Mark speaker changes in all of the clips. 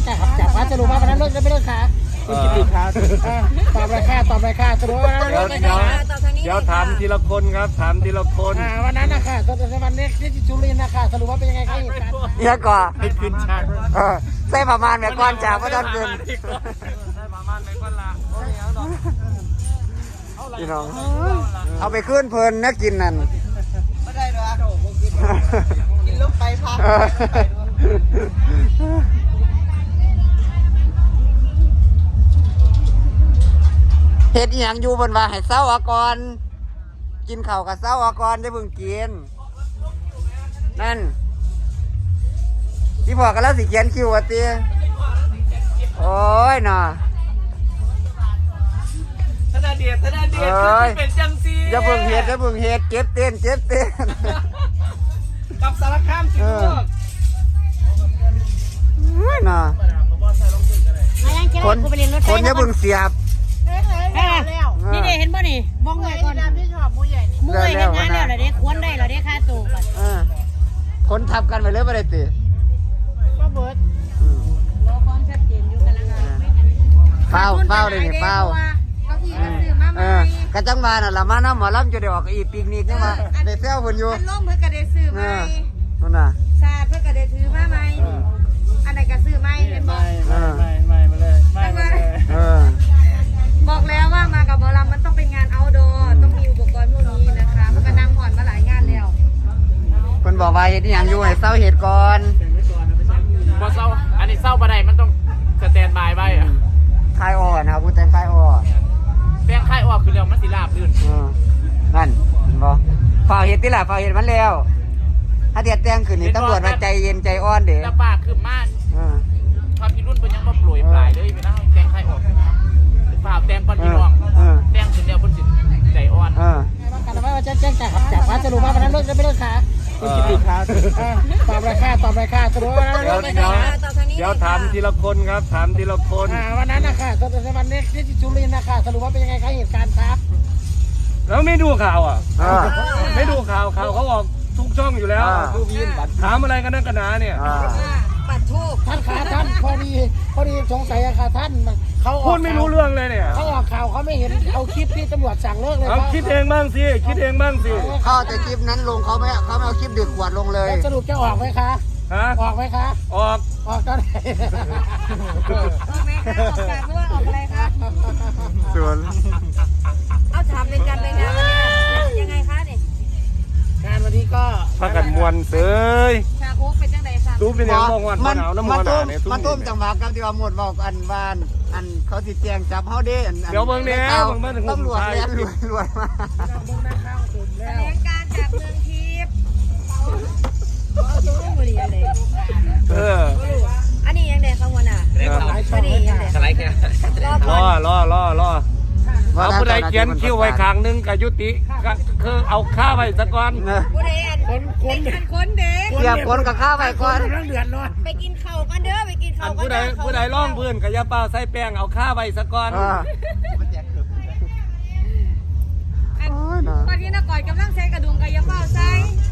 Speaker 1: จากว่าสรุปว่าวันนั้นเลิกจะไม่เลิกขาคุณกิติครับตอบราคาสรุปว่าเ
Speaker 2: ดี๋ยวถามทีละคนครับถามทีละคน
Speaker 1: วันนั้นนะคะวันนี้ที่จุลินนะคะสรุปว่าเป็นยังไงครับเหตุการณ์
Speaker 3: เยอะกว่า
Speaker 2: ให้ขึ้นฉาก
Speaker 3: ใส่ประมาณแบบก้อนจากก็ต้องขึ้น
Speaker 2: ได้ประมาณไม่ก้อนละ
Speaker 3: พี่น้องเอาไปขึ้นเพลินนะกินนั่น
Speaker 1: ไม่ได้หรอกินลูกไปพัก
Speaker 3: เฮ็ดอีหยังอยู่บนว่าให้เศร้าอากรกินข้าวกับเศร้าอากรได้เพิ่งกินนั่นที่บอกกันแล้วสิเขียนคิวว่าตีโอ้ยน่ะ
Speaker 2: ธนาเดียดเป็นจังซี
Speaker 3: อย่าเพิ่งเฮ็ดเก็บเต้น
Speaker 2: กับสารคามสิลูก
Speaker 3: น่ะคนอย่าเพิ่งเสียบ
Speaker 4: นี่เด็เห็นป่ะนี่มองเงยก่อนที่ชอบมูใหญ่นี่มูใหญ่เห็นงานแล้วเหรอเด็กควรได้เหรอเด็กค่าตัวก่อน
Speaker 3: คนทับกันไปเลยไม่ได้ตี
Speaker 4: ก็เบิร์ดรอความชัดเจนอยู่กันแล้ว
Speaker 3: เฝ้าเลยนี่เฝ้า
Speaker 4: เก้าอี้ก็ซื้อมาใหม่
Speaker 3: กระจังมาน่ะละมาน้ำหมอลำจะได้ออกอีปีกนิกนี่มาได้เซลเพิ่นอยู่
Speaker 4: มันล่มเพื่อกระเดซื้อใหม่
Speaker 3: นั่นน่ะ
Speaker 4: ซาเพื่อกระเดถือมาใหม่อันไหนก็ซื้อใหม่เป็นบอก
Speaker 2: ไม่มาเลยไม่มาเลย
Speaker 4: บอกแล้วว่ามากับหมอลำมันต้องเป็นงานเอาท์ดอร์ต้องมีอุปกรณ์พวกนี้นะคะมันก็นั่งผ่อนมาหลายงานแล้ว
Speaker 3: เพิ่นบอกว่าเฮ็ดอีหยังอยู่ให้เซาเฮ็ดก่อน
Speaker 2: บ่เศร้าอันนี้เศร้าบ่ได้มันต้องสแตนบายไว้
Speaker 3: คายอ่อนนะครับผู้แต่งคายอ่อน
Speaker 2: แป้งคายออกคือแล้วมันสิราบลื่น
Speaker 3: นั่นเห็นบ่ฝ่าเฮ็ดติล่ะฝ่าเฮ็ดมันแล้วถ้าเดี๋ยวแต่งขึ้นนี่ตำรวจว่าใจเย็นใจอ่อนเด้
Speaker 2: แล้วปากคือม่านความพี่รุ่นเพิ่นยังบ่โปรยปลายเลยไปนะแป้งคายออกฝ่าแต้มก่อนพี่น้องแต้มขึ้นแล้วเพิ่นสิใจอ่อน
Speaker 1: กันว่าจะแจ้งจากว่าสรุปว่าวันนั้นเลิกจะไม่เลิกขาคุณกิติครับตอบราคาสรุปว่าเลิกไม่เลิกขา
Speaker 2: เดี๋ยวถามทีละคนครับถามทีละคน
Speaker 1: วันนั้นนะคะวันนี้ที่จุลินนะคะสรุปว่าเป็นยังไงครับเหตุการณ์ครับ
Speaker 2: แล้วไม่ดูข่าวอ่ะไม่ดูข่าวเขาออกทุกช่องอยู่แล้วถามอะไรกันนักกันหนาเนี่ย
Speaker 4: ปัดทูบ
Speaker 1: ท่านขาท่านพอดีสงสัยอะค่ะท่านเขา
Speaker 2: พูดไม่รู้เรื่องเลยเนี่ย
Speaker 1: เขาออกข่าวเขาไม่เห็นเอาคลิปที่ตำรวจสั่งเลิกเลย
Speaker 2: เอาคิดเองบ้างสิ
Speaker 3: เขาแต่คลิปนั้นลงเขาไม่เอาคลิปดึกขวดลงเลย
Speaker 1: สรุปจะออกไหมคะออกไหมคะ
Speaker 2: ออก
Speaker 1: ตอนไหน
Speaker 4: ออกไหมคะออกจากด้วยออกอะไรคะ
Speaker 3: ส่วน
Speaker 4: เอาถามเป็นการไปงานวันนี้ยังไงคะเนี่ย
Speaker 1: งานวันนี้ก็
Speaker 2: พักกันมวนเสย
Speaker 4: ชาโคกเป็นจังไดค่ะ
Speaker 2: ตู้เป็นยังมองวันหนาวน้ำมัน
Speaker 3: มันต้มจังหวะกับที่ว่าหมดบอกอันบ้านอันเขาสิแจงจับเฮาเด้
Speaker 2: เดี๋ยวเบิ่งแนวเบิ่ง
Speaker 3: ตำรวจแล่นรวยมา
Speaker 4: แถลงการจากเมืองทิพย์อันนี้ยังไงข้างบนอ่ะอันนี้ยังไง
Speaker 2: สไลด์แค่รอเอาผู้ใดเขียนคิวไว้ข้างนึงกับยุติคือเอาค่าไว้ซะก่อน
Speaker 4: ผู้ใดคนเด็ก
Speaker 3: เสียบคนกับค่าไว้ก่อน
Speaker 4: ไปกินข้าวกันเด้อไปกินข้าวกัน
Speaker 2: ผู้ใดร้องพื้นกับยาเปล่าใส่แป้งเอาค่าไว้ซะก่อน
Speaker 4: ตอนนี้นักก่อยกำลังใส่กระดุมกับยาเปล่าใส่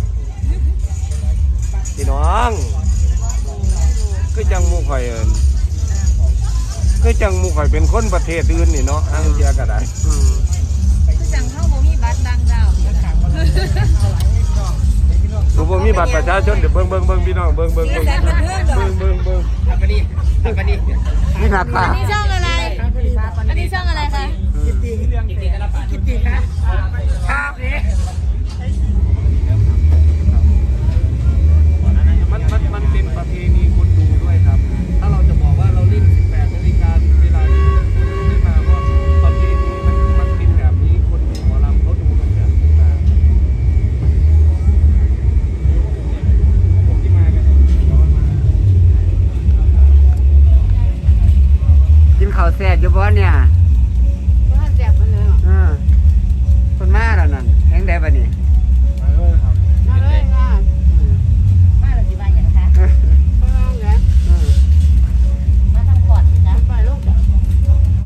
Speaker 2: พี่น้องคือจังมูข่อยคือจังมูข่อยเป็นคนประเทศอื่นนี่เนาะอังเดียก็ได้
Speaker 4: คือจังเข้าบ่มีบัตรดังดาว
Speaker 2: ดูบ่มีบัตรประชาชนเดี๋ยวเบิ่งพี่น้องเบิ่ง
Speaker 4: ทำไปดิ
Speaker 3: นี่หนักป่ะ
Speaker 4: นี่ช่อง